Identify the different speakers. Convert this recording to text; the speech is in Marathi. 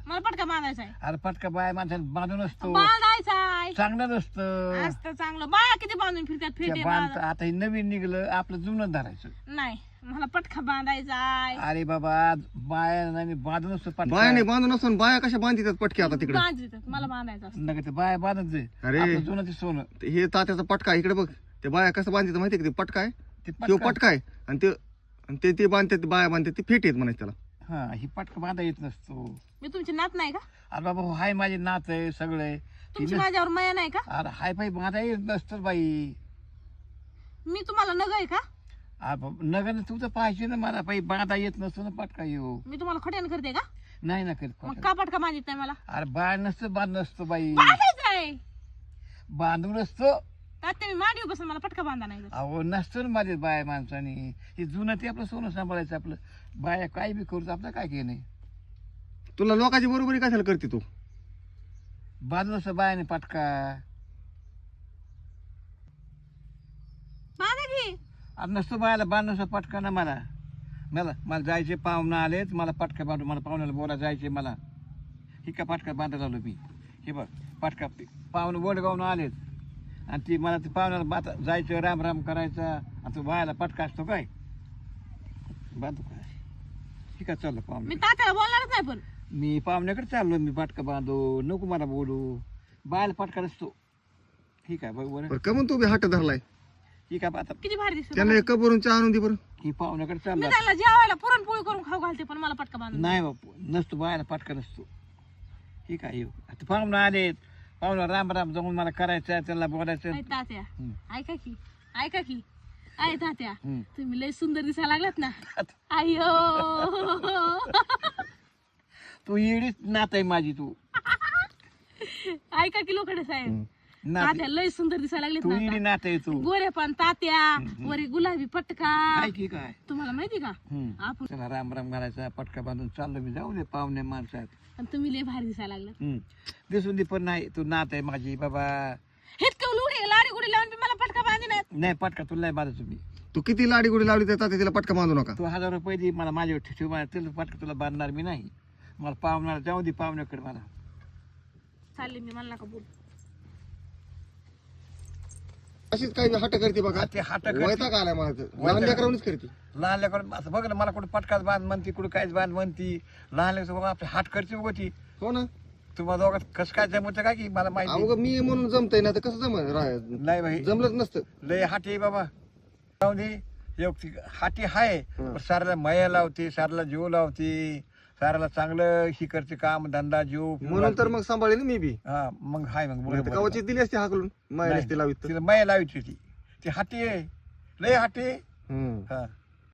Speaker 1: मला पटका बांधायचा आहे.
Speaker 2: अरे पटका बाय माणसाने बांधून असतो,
Speaker 1: बांधायचा आहे.
Speaker 2: चांगलं नसतं.
Speaker 1: असतं चांगलं. बाया किती बांधून फिरतात फेटे
Speaker 2: बांध आता हे नवीन निघलं, आपलं जुनं धरायचं.
Speaker 1: नाही मला पटका बांधायचा आहे.
Speaker 2: अरे बाबा बाया बांधून असतो पटका.
Speaker 3: बायाने बांधून असून बाया कशा बांधतात पटके आता तिकडे?
Speaker 1: बांधतात मला बांधायचा असतं.
Speaker 2: नका ते बाया बांधत जाईल.
Speaker 3: अरे.
Speaker 2: आपलं जुनं ते सोनं
Speaker 3: हे तात्याचा पटका इकडे बघ. ते बाया कसं बांधतात माहिती का? ते पटका आहे,
Speaker 2: ते
Speaker 3: तो
Speaker 2: पटका.
Speaker 3: पटका आहे आणि ते बांधतात, बाया बांधतात, ते फेट येत म्हणायचं त्याला.
Speaker 2: हा ही पटका बांधा येत नसतो.
Speaker 1: मी तुमची नात नाही का?
Speaker 2: अरे बाबा हो, हाय माझे नात आहे सगळे.
Speaker 1: तुमची माझ्यावर माया नाही का?
Speaker 2: अरे हाय पाय बांधा येत नसतं बाई.
Speaker 1: मी तुम्हाला नग आहे का?
Speaker 2: नगर तू तर पाहिजे ना, मला पाहिजे बांधा येत नसतो ना पटका येऊ.
Speaker 1: मी तुम्हाला खट्यान करते का?
Speaker 2: नाही ना करीत
Speaker 1: मग
Speaker 2: पटका.
Speaker 1: का पटका बांधित नाही मला?
Speaker 2: अरे बाळ नसतं बांध नसतो बाई.
Speaker 1: बांधायचा आहे.
Speaker 2: बांधून असतो.
Speaker 1: तात्या मी मांडीवर बसून मला पटका बांधा नाही.
Speaker 2: अहो नसतं ना माझे बाया माणसाने. हे जुनं ते आपलं सोनं सांभाळायचं. आपलं बाया काय बी करू, आपलं काय काही नाही.
Speaker 3: तुला लोकांची बरोबरी कशाला करते तू?
Speaker 2: बांधून असतं बायाने पटका.
Speaker 1: बांधा की.
Speaker 2: अरे नसतो बायाला बांधून असं पटका ना मला. मला जायचे, पाहुणं आलेत, मला पटका बांधून, मला पाहुण्याला बोला जायचे मला. ही का पटका बांधायला आलो मी. हे बघ पटका पाहुणं बोडगावून आलेत आणि ती मला ते पाहुण्याला जायचं, राम राम करायचा आणि तो बायाला पटका असतो काय बांधू काय? ठीक आहे चाललं
Speaker 1: मी
Speaker 2: पाहुणे.
Speaker 1: तात्याला बोलणारच नाही. पण
Speaker 2: मी पाहुण्याकडे चाललो, मी पटका बांधू नको मला बोलू. बायाला पटका नसतो. ठीक आहे बघ बरं.
Speaker 3: बरं का म्हणून तू बी हात धरलाय?
Speaker 2: ठीक आहे आता
Speaker 1: किती भारी दिसत.
Speaker 3: त्यांना एक कबरून चहा आणून दे बरं.
Speaker 2: ही पाहुण्याकडे
Speaker 1: मी
Speaker 2: चालला.
Speaker 1: त्याला जेवायला पुरणपोळी करून खाऊ घालते पण मला पटका बांधून
Speaker 2: नाही बापू नसतो, बायाला पटका नसतो. ठीक आहे येऊ. आता पाहुणं आलेत, पाहुणं राम राम जाऊन मला करायचं, त्याला बोलायचं.
Speaker 1: नाही. तात्या
Speaker 2: हम्म.
Speaker 1: ऐका की आहे तात्या,
Speaker 2: हम्म.
Speaker 1: तुम्ही लय सुंदर दिसायला लागलात ना. अय्यो.
Speaker 2: तू येडीच नात आहे माझी. तू
Speaker 1: ऐका की लोकडे साहेब,
Speaker 2: नात
Speaker 1: तात्या लय सुंदर दिसायला
Speaker 2: तू
Speaker 1: लागलेत
Speaker 2: येडी
Speaker 1: ना.
Speaker 2: नात आहे तू.
Speaker 1: गोरे पण तात्या, वरी गुलाबी पटका.
Speaker 2: काय की काय.
Speaker 1: तुम्हाला माहिती का आपण
Speaker 2: चला राम राम घालायचा, पटका बांधून चाललो मी. जाऊ दे पाहुणे माणसात.
Speaker 1: आणि तुम्ही लय भारी दिसायला लागलं.
Speaker 2: दिसून दे पण नाही, तू नात आहे माझी बाबा.
Speaker 1: हेच का लुडे लाडी गुडी लावून बी मला पटका बांधी नाही.
Speaker 2: नाही पटका तुला नाही बांधत तुम्ही.
Speaker 3: तू किती लाडी गुडी लावली तर तात्या तिला पटका बांधू नका.
Speaker 2: तू 1000 रुपये दे मला, माझ्यावर ठेव. तुला पटका तुला बांधणार मी नाही. मला पाहुण्याला जाऊ दे, पाहुण्याकडे मला.
Speaker 1: चालले मी, मला नका बोल.
Speaker 3: अशीच काही हट करते बघा.
Speaker 2: ते हात
Speaker 3: वैताग आलाय मला तर. लहान लेकरांनीच करते.
Speaker 2: लहान लेकरं असं बघ ना, मला कुठं पटकाच बांध म्हणती, कुठं काहीच बांध म्हणती. लहान लेकर बघा आपले हात करते बघ ती.
Speaker 3: हो ना.
Speaker 2: तुम्हाला दोघात कसं काय जमतं काय की मला माहिती
Speaker 3: अवघ मी म्हणून जमतय ना, तर कसं
Speaker 2: नाही बाई.
Speaker 3: जमलंच नसतं.
Speaker 2: लय हाटी बाबा. जाऊ दे. हाटी हाय पण साऱ्याला मया लावते, साऱ्याला जीव लावते, साऱ्याला चांगलं ही करते काम धंदा जीव.
Speaker 3: म्हणून तर मग सांभाळले ना मी बी.
Speaker 2: हा मग हाय मग बरोबर.
Speaker 3: कवाची दिली असते हाकलून, माय
Speaker 2: नाही,
Speaker 3: असते लावित.
Speaker 2: तिला मया लावायची ती हाटी आहे, लय हाटी.
Speaker 3: हम्म.
Speaker 2: हा